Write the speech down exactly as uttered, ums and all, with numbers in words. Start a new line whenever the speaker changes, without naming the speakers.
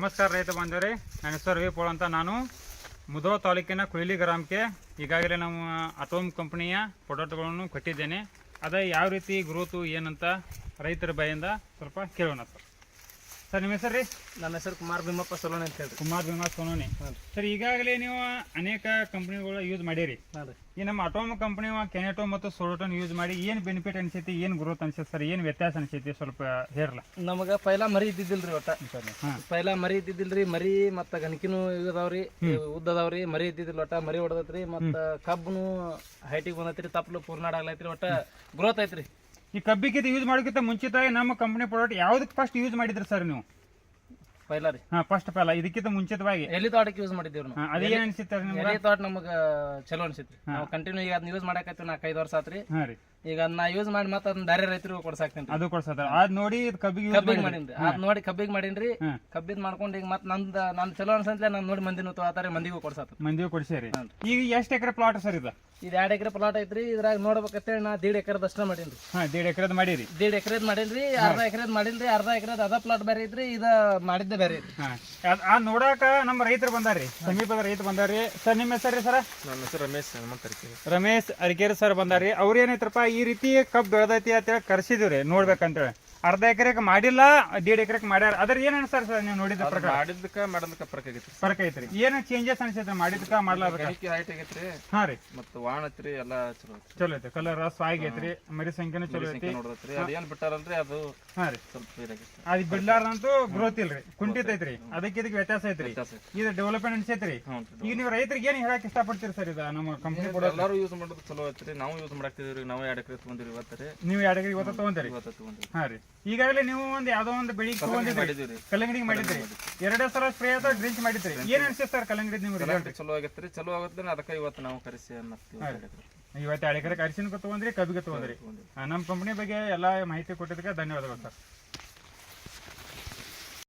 ನಮಸ್ಕಾರ ರೈತ ಬಾಂಧವರೇ, ನನ್ನ ಹೆಸರು ರವಿ ಪೋಳ್ ಅಂತ. ನಾನು ಮುಧೋಳ ತಾಲೂಕಿನ ಕುಯಿಲಿ ಗ್ರಾಮಕ್ಕೆ ಈಗಾಗಲೇ ನಮ್ಮ ಅಟೋಮ್ ಕಂಪನಿಯ ಪ್ರಾಡಕ್ಟ್ಗಳನ್ನು ಕೊಟ್ಟಿದ್ದೇನೆ. ಅದೇ ಯಾವ ರೀತಿ ಗ್ರೋತು ಏನಂತ ರೈತರ ಬಾಯಿಂದ ಸ್ವಲ್ಪ ಕೇಳೋಣ ಸರ್. ಸರ್ ನಿಮ್ಮ ಹೆಸರು ರೀ?
ನನ್ನ ಹೆಸರು ಕುಮಾರ್ ಭೀಮಪ್ಪ ಸೋಲೋನಿ ಅಂತ ಹೇಳಿ.
ಕುಮಾರ್ ಭೀಮಾ ಸೋನೋನಿ ಸರ್. ಈಗಾಗಲೇ ನೀವು ಅನೇಕ ಕಂಪ್ನಿಗಳು ಯೂಸ್ ಮಾಡಿರಿ. ಈ ನಮ್ಮ ಅಟೋಮ್ ಕಂಪನಿ ಕೆನೆಟೋ ಮತ್ತು ಸೋಲೋಟೋನ್ ಯೂಸ್ ಮಾಡಿ ಏನು ಬೆನಿಫಿಟ್ ಅನ್ಸೈತಿ, ಏನು ಗ್ರೋತ್ ಅನ್ಸೈತಿ ಸರ್, ಏನು ವ್ಯತ್ಯಾಸ ಅನ್ಸೈತಿ ಸ್ವಲ್ಪ ಹೇರಲ್ಲ.
ನಮಗ ಪೈಲಾ ಮರಿ ಇದ್ದಿದ್ದಿಲ್ರಿ ಒಟ್ಟ. ಪೈಲಾ ಮರಿ ಇದ್ದಿದ್ದಿಲ್ರಿ. ಮರಿ ಮತ್ತ ಗಣಕಿನೂ ಇದಾವ್ರಿ, ಉದ್ದದಾವ್ರಿ. ಮರಿ ಇದ್ದಿದ್ದಿಲ್ಲ ಒಟ್ಟ. ಮರಿ ಹೊಡೆದೈತ್ರಿ. ಮತ್ತ ಕಬ್ಬನು ಹೈಟಿಗೆ ಬಂದೈತ್ರಿ. ತಪ್ಪಲು ಪೂರ್ನಾಡ್ ಆಗ್ಲೈತ್ರಿ. ಒಟ್ಟ ಗ್ರೋತ್ ಐತ್ರಿ.
ಈ ಕಬ್ಬಿಗೆ ಯೂಸ್ ಮಾಡೋಕ್ಕಿಂತ ಮುಂಚಿತವಾಗಿ ನಮ್ಮ ಕಂಪನಿ ಪ್ರಾಡಕ್ಟ್ ಯಾವ್ದಕ್ಕೆ ಫಸ್ಟ್ ಯೂಸ್ ಮಾಡಿದ್ರಿ ಸರ್ ನೀವು?
ಪೈಲಾ ರೀ.
ಹಾ, ಫಸ್ಟ್ ಪೈಲ ಇದಕ್ಕಿಂತ ಮುಂಚಿತವಾಗಿ
ಎಲ್ಲಿ ತೋಟಕ್ಕೆ ಯೂಸ್ ಮಾಡಿದ್ದೀವಿ ನಾವು.
ಅದೇನ್ ಅನ್ಸಿತ್ತು ನಿಮ್ಗೆ?
ಎಲ್ಲಿ ತೋಟ ನಮಗ ಚಲೋ ಅನ್ಸಿತ್ರಿ. ನಾವು ಕಂಟಿನ್ಯೂ ಈಗ ಅದನ್ನ ಯೂಸ್ ಮಾಡಕತ್ತೀವಿ. ನಾಲ್ಕೈದು ವರ್ಷ ಆತ್ರಿ.
ಹಾ ರೀ.
ಈಗ ಅದನ್ನ ಯೂಸ್ ಮಾಡಿ ಮತ್ತೆ ಅದನ್ನ ಬೇರೆ ರೈತರಿಗೂ ಕೊಡ್ಸಾಕ್ತೇನೆ.
ಅದು ಕೊಡ್ಸದ ಅದ್ ನೋಡಿ ಕಬ್ಬಿಗೆ
ಕಬ್ಬಿಗೆ ಮಾಡೀನ್ರಿ. ಅದ್ ನೋಡಿ ಕಬ್ಬಿಗೆ ಮಾಡೀನ್ರಿ. ಕಬ್ಬಿದ್ ಮಾಡ್ಕೊಂಡು ಈಗ ಮತ್ತೆ ನಂದ ನನ್ ಚಲೋ ಅನ್ಸಂತ್ಲೆ ನಾನು ನೋಡಿ ಮಂದಿನೂ ತಗೋತಾರೆ, ಮಂದಿಗೂ ಕೊಡ್ಸಾತ.
ಮಂದಿಗೂ ಕೊಡ್ಸೇರಿ. ಈಗ ಎಷ್ಟ್ ಎಕರೆ ಪ್ಲಾಟ್ ಸರ್ ಇದು?
ಇದು ಎರಡ್ ಎಕರೆ ಪ್ಲಾಟ್ ಐತ್ರಿ. ಇದ್ರಾಗ ನೋಡ್ಬೇಕಂತೇಳಿ ನಾ ದೀಡ್ ಎಕರೆದ ಅಷ್ಟ ಮಾಡೀನ್ರಿ.
ಹಾ, ದೀಡ್ ಎಕರೆದ್ ಮಾಡಿರಿ.
ದೀಡ್ ಎಕರೆದ್ ಮಾಡಿಲ್ರಿ. ಅರ್ಧ ಎಕರೆದ್ ಮಾಡಿಲ್ರಿ. ಅರ್ಧ ಎಕರೆದ್ ಅದ ಪ್ಲಾಟ್ ಬೇರೆ ಐತ್ರಿ, ಇದ ಮಾಡಿದ್ದೆ ಬೇರೆ ಐತ್ರಿ.
ಆ ನೋಡಾಕ ನಮ್ಮ ರೈತರು ಬಂದಾರ್ರಿ, ಸಮೀಪದ ರೈತ ಬಂದಾರ್ರಿ. ಸರ್ ನಿಮ್ಮ ಹೆಸರು ರೀ ಸರ್?
ನನ್ನ ಹೆಸರು ರಮೇಶ್ ಹನುಮಂತ ಅರಕೇರಿ.
ರಮೇಶ್ ಅರಕೇರಿ ಸರ್ ಬಂದಾರ್ರಿ. ಅವ್ರ ಏನೈತ್ರಪ್ಪ, ಈ ರೀತಿ ಕಬ್ಬು ಬೆಳೆದೈತಿ ಅಂತೇಳಿ ಕರ್ಸಿದಿವ್ರಿ ನೋಡ್ಬೇಕಂತೇಳಿ. ಅರ್ಧ ಎಕರೆಗೆ ಮಾಡಿಲ್ಲ, ದೀಡ್ ಎಕರೆಗೆ ಮಾಡ್ಯಾರ. ಅದ್ರ ಏನ್ ಅನ್ಸರ್ ಸರ್ ನೀವು ನೋಡಿದ ಪ್ರಕಾರ?
ಮಾಡಿದ್ಕ ಮಾಡೋದಕ್ಕ ಫರಕ್ ಆಗೈತ್ರಿ.
ಫರಕ್ ಐತ್ರಿ. ಏನ್ ಚೇಂಜಸ್ ಅನ್ಸೈತ್ರಿ ಮಾಡಿದ್ಕ ಮಾಡ್ಲಾರ್ದಕ್ಕ?
ಹೈಟ್ ಆಗೈತ್ರಿ.
ಹಾ ರೀ.
ಮತ್ತ ವಾಣ ಐತ್ರಿ. ಎಲ್ಲಾ ಚಲೋ ಐತ್ರಿ.
ಚಲೋ ಐತಿ. ಕಲರ್ ಸ್ವಾಗ್ ಐತ್ರಿ. ಮರಿ ಸಂಖ್ಯೆನೂ ಚಲೋ ಐತಿ.
ನೋಡತ್ರಿ ಅದೇನ್ ಬಿಟ್ಟಾರಲ್ರಿ ಅದು.
ಹಾ ರೀ.
ಸ್ವಲ್ಪ ಇದಾಗೈತ್ರಿ.
ಅದ್ ಬಿಡ್ಲಾರ್ದಂತೂ ಗ್ರೋತ್ ಇಲ್ರಿ, ಕುಂಠಿತ ಐತ್ರಿ. ಅದಕ್ಕೆ ಇದಕ್ಕೆ ವ್ಯತ್ಯಾಸ ಐತ್ರಿ. ಇದು ಡೆವಲಪ್ಮೆಂಟ್ ಅನ್ಸೈತ್ರಿ. ಈಗ ನೀವು ರೈತರಿಗೆ ಏನ್ ಹೇಳಕ್ ಇಷ್ಟಪಡ್ತೀರಿ ಸರ್? ಇದು ನಮ್ಮ ಕಂಪನಿ
ಎಲ್ಲಾರು ಯೂಸ್ ಮಾಡೋದು ಚಲೋ ಐತ್ರಿ. ನಾವು ಯೂಸ್ ಮಾಡಾಕ್ತಿದ್ರಿ. ನಾವು ಎರಡ್ ಎಕರೆ ತಗೊಂಡಿರಿ ಇವತ್ತರಿ.
ನೀವು ಎರಡು ಎಕರೆ ಇವತ್ತು ತಗೊಂತೀರಿ?
ಇವತ್ತ ತಗೊಂಡ್ರಿ.
ಹಾ ರೀ. ಈಗಾಗಲೇ ನೀವು ಒಂದ್ ಯಾವ್ದೋ ಒಂದು ಬೆಳಿಗ್ಗೆ ತಗೊಂಡಿದ್ರಿ, ಕಲ್ಲಂಗಡಿ ಮಾಡಿದ್ರಿ. ಎರಡೇ ಸಲ ಸ್ಪ್ರೇ ಅಥವಾ ಡ್ರಿಂಕ್ ಮಾಡಿದ್ರಿ. ಏನ್ ಅನ್ಸುತ್ತೆ ಸರ್ ಕಲ್ಲಂಗಡಿ ನಿಮ್ಗೆ ರಿಸಲ್ಟ್?
ಚಲೋ ಆಗೈತ್ರಿ. ಚಲೋ ಆಗತ್ತೆ. ಅದಕ್ಕೆ ಇವತ್ತು ನಾವು ಕರೆಸಿ
ಇವತ್ತು ಎರಡು ಎಕರೆ ಅರಿಶಿನಕ್ಕೆ ತಗೊಂಡ್ರಿ, ಕಬ್ಬಿಗೆ ತಗೊಂಡ್ರಿ. ನಮ್ಮ ಕಂಪನಿ ಬಗ್ಗೆ ಎಲ್ಲಾ ಮಾಹಿತಿ ಕೊಟ್ಟಿದ್ದಕ್ಕೆ ಧನ್ಯವಾದಗಳು ಸರ್.